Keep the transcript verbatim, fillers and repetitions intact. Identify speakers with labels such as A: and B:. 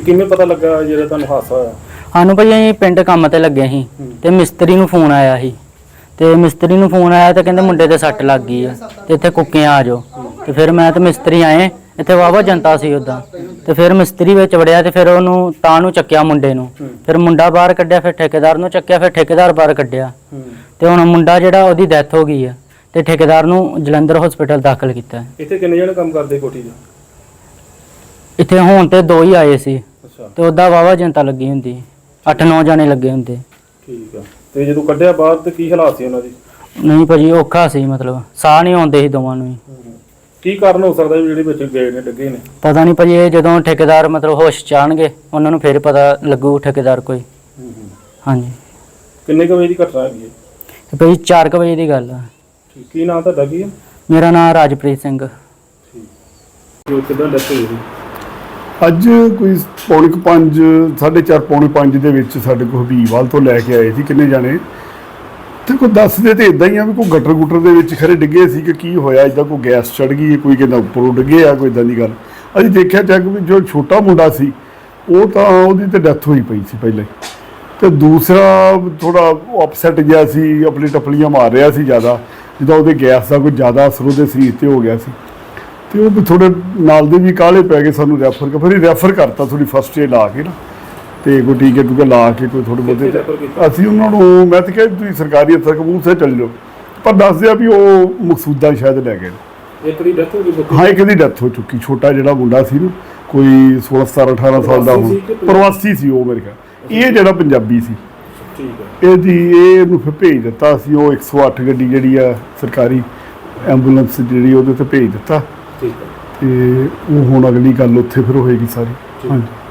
A: ਕਿਵੇਂ ਪਤਾ ਲੱਗਾ ਜਿਹੜਾ ਤੁਹਾਨੂੰ ਹਾਦਸਾ ਹੋਇਆ?
B: ਸਾਨੂੰ ਭਾਜੀ ਅਸੀਂ ਪਿੰਡ ਕੰਮ ਤੇ ਲੱਗੇ ਸੀ ਤੇ ਮਿਸਤਰੀ ਨੂੰ ਫੋਨ ਆਇਆ ਸੀ ਤੇ ਮਿਸਤਰੀ ਨੂੰ ਫੋਨ ਆਇਆ ਤੇ ਕਹਿੰਦੇ ਮੁੰਡੇ ਤੇ ਸੱਟ ਲੱਗ ਗਈ ਆ ਤੇ ਇੱਥੇ ਕੁੱਕੀਆਂ ਆ ਜਾਓ। ਤੇ ਫਿਰ ਮੈਂ ਤੇ ਮਿਸਤਰੀ ਆਏ, ਇੱਥੇ ਵਾਹਵਾ ਜਨਤਾ ਸੀ ਉੱਦਾਂ। ਤੇ ਫਿਰ ਮਿਸਤਰੀ ਵਿੱਚ ਵੜਿਆ ਤੇ ਫਿਰ ਉਹਨੂੰ ਤਾਂ ਨੂੰ ਚੱਕਿਆ ਮੁੰਡੇ ਨੂੰ, ਫਿਰ ਮੁੰਡਾ ਬਾਹਰ ਕੱਢਿਆ, ਫਿਰ ਠੇਕੇਦਾਰ ਨੂੰ ਚੱਕਿਆ, ਫਿਰ ਠੇਕੇਦਾਰ ਬਾਹਰ ਕੱਢਿਆ। ਤੇ ਹੁਣ ਮੁੰਡਾ ਜਿਹੜਾ ਉਹਦੀ ਡੈਥ ਹੋ ਗਈ ਆ ਤੇ ਠੇਕੇਦਾਰ ਨੂੰ ਜਲੰਧਰ ਹਸਪੀਟਲ ਦਾਖਲ ਕੀਤਾ।
A: ਇੱਥੇ ਕਿੰਨੇ ਜਣੇ ਕੰਮ ਕਰਦੇ ਕੋਠੀ 'ਚ?
B: ਇੱਥੇ ਹੁਣ ਤੇ ਦੋ ਹੀ ਆਏ ਸੀ
A: ਅੱਛਾ।
B: ਤੇ ਉਹਦਾ ਵਾਹਵਾ ਜਨਤਾ ਲੱਗੀ ਹੁੰਦੀ, ਅੱਠ ਨੌ ਜਾਣੇ ਲੱਗੇ ਹੁੰਦੇ।
A: ਠੀਕ ਆ। ਤੇ ਜਦੋਂ ਕੱਢਿਆ ਬਾਹਰ ਤੇ ਕੀ ਹਾਲਾਤ ਸੀ ਉਹਨਾਂ ਦੀ?
B: ਨਹੀਂ ਭਾਜੀ ਔਖਾ ਸੀ, ਮਤਲਬ ਸਾਹ ਨਹੀਂ ਆਉਂਦੇ ਸੀ ਦੋਵਾਂ ਨੂੰ ਹੀ।
A: ਕੀ ਕਾਰਨ ਹੋ ਸਕਦਾ ਵੀ ਜਿਹੜੇ ਵਿੱਚ ਗਏ ਨੇ ਡੱਗੇ ਨੇ?
B: ਪਤਾ ਨਹੀਂ ਭਾਜੀ, ਇਹ ਜਦੋਂ ਠੇਕੇਦਾਰ ਮਤਲਬ ਹੋਸ਼ ਚ ਆਉਣਗੇ ਉਹਨਾਂ ਨੂੰ ਫਿਰ ਪਤਾ ਲੱਗੂ ਠੇਕੇਦਾਰ ਕੋਈ। ਹਾਂਜੀ।
A: ਕਿੰਨੇ ਕੁ ਵਜੇ ਦੀ ਘਟਨਾ ਹੈਗੀ ਹੈ?
B: ਤੇ ਭਾਜੀ ਚਾਰ ਕੁ ਵਜੇ ਦੀ ਗੱਲ ਆ।
A: ਠੀਕ। ਕੀ ਨਾਮ ਤੁਹਾਡਾ ਕੀ ਹੈ?
B: ਮੇਰਾ ਨਾਮ ਰਾਜਪ੍ਰੀਤ ਸਿੰਘ।
A: ਠੀਕ। ਜੋ ਕਿੱਦਾਂ ਡੈਥ ਹੋਈ ਸੀ?
C: ਅੱਜ ਕੋਈ ਪੌਣੇ ਕੁ ਪੰਜ ਸਾਢੇ ਚਾਰ ਪੌਣੇ ਪੰਜ ਦੇ ਵਿੱਚ ਸਾਡੇ ਕੋਲ ਹਬੀਬਵਾਲ ਤੋਂ ਲੈ ਕੇ ਆਏ ਸੀ ਕਿੰਨੇ ਜਾਣੇ। ਤੇ ਕੋਈ ਦੱਸਦੇ ਤੇ ਇਦਾਂ ਹੀ ਆ ਵੀ ਕੋਈ ਗਟਰ ਗੁਟਰ ਦੇ ਵਿੱਚ ਖਰੇ ਡਿੱਗੇ ਸੀ ਕਿ ਕੀ ਹੋਇਆ, ਇੱਦਾਂ ਕੋਈ ਗੈਸ ਚੜ ਗਈ, ਕੋਈ ਕਹਿੰਦਾ ਉੱਪਰੋਂ ਡਿੱਗੇ ਆ, ਕੋਈ ਇੱਦਾਂ ਦੀ ਗੱਲ। ਅਸੀਂ ਦੇਖਿਆ ਚੈੱਕ ਵੀ ਜੋ ਛੋਟਾ ਮੁੰਡਾ ਸੀ ਉਹ ਤਾਂ ਉਹਦੀ ਤਾਂ ਡੈਥ ਹੋਈ ਪਈ ਸੀ ਪਹਿਲਾਂ ਹੀ, ਅਤੇ ਦੂਸਰਾ ਥੋੜ੍ਹਾ ਅਪਸੈਟ ਜਿਹਾ ਸੀ, ਆਪਣੀ ਟੱਪਲੀਆਂ ਮਾਰ ਰਿਹਾ ਸੀ ਜ਼ਿਆਦਾ, ਜਿੱਦਾਂ ਉਹਦੇ ਗੈਸ ਦਾ ਕੋਈ ਜ਼ਿਆਦਾ ਅਸਰ ਉਹਦੇ ਸਰੀਰ 'ਤੇ ਹੋ ਗਿਆ ਸੀ। ਅਤੇ ਉਹ ਵੀ ਥੋੜ੍ਹੇ ਨਾਲ ਦੇ ਵੀ ਕਾਹਲੇ ਪੈ ਗਏ ਸਾਨੂੰ ਰੈਫਰ ਕਰ, ਫਿਰ ਰੈਫਰ ਕਰਤਾ ਥੋੜ੍ਹੀ ਫਸਟ ਏਡ ਲਾ ਕੇ ਨਾ, ਅਤੇ ਕੋਈ ਟੀਕੇ ਟੂਕੇ ਲਾ ਕੇ ਕੋਈ ਥੋੜ੍ਹੇ ਬਹੁਤੇ। ਅਸੀਂ ਉਹਨਾਂ ਨੂੰ ਮੈਂ ਤਾਂ ਕਿਹਾ ਤੁਸੀਂ ਸਰਕਾਰੀ ਅਫਸਰ ਕਬੂਲਸੇ ਚੱਲ ਜਾਓ, ਪਰ ਦੱਸਦੇ ਆ ਵੀ ਉਹ ਮਕਸੂਦਾ ਸ਼ਾਇਦ ਲੈ ਗਏ।
A: ਇੱਕ ਦੀ ਡੈਥ ਹੋ ਗਈ?
C: ਹਾਂ, ਇੱਕ ਦੀ ਡੈਥ ਹੋ ਚੁੱਕੀ। ਛੋਟਾ ਜਿਹੜਾ ਮੁੰਡਾ ਸੀ ਨਾ, ਕੋਈ ਸੋਲਾਂ ਸਤਾਰਾਂ ਅਠਾਰਾਂ ਸਾਲ ਦਾ, ਹੁਣ ਪ੍ਰਵਾਸੀ ਸੀ ਉਹ ਮੇਰੇ ਖਿਆਲ। ਇਹ ਜਿਹੜਾ ਪੰਜਾਬੀ ਸੀ।
A: ਠੀਕ ਹੈ।
C: ਇਹਦੀ ਇਹ ਇਹਨੂੰ ਫਿਰ ਭੇਜ ਦਿੱਤਾ ਸੀ, ਉਹ ਇੱਕ ਸੌ ਅੱਠ ਗੱਡੀ ਜਿਹੜੀ ਆ ਸਰਕਾਰੀ ਐਂਬੂਲੈਂਸ ਜਿਹੜੀ ਉਹਦੇ 'ਤੇ ਭੇਜ ਦਿੱਤਾ।
A: ਠੀਕ ਹੈ।
C: ਅਤੇ ਉਹ ਹੁਣ ਅਗਲੀ ਗੱਲ ਉੱਥੇ ਫਿਰ ਹੋਏਗੀ ਸਾਰੀ। ਹਾਂਜੀ।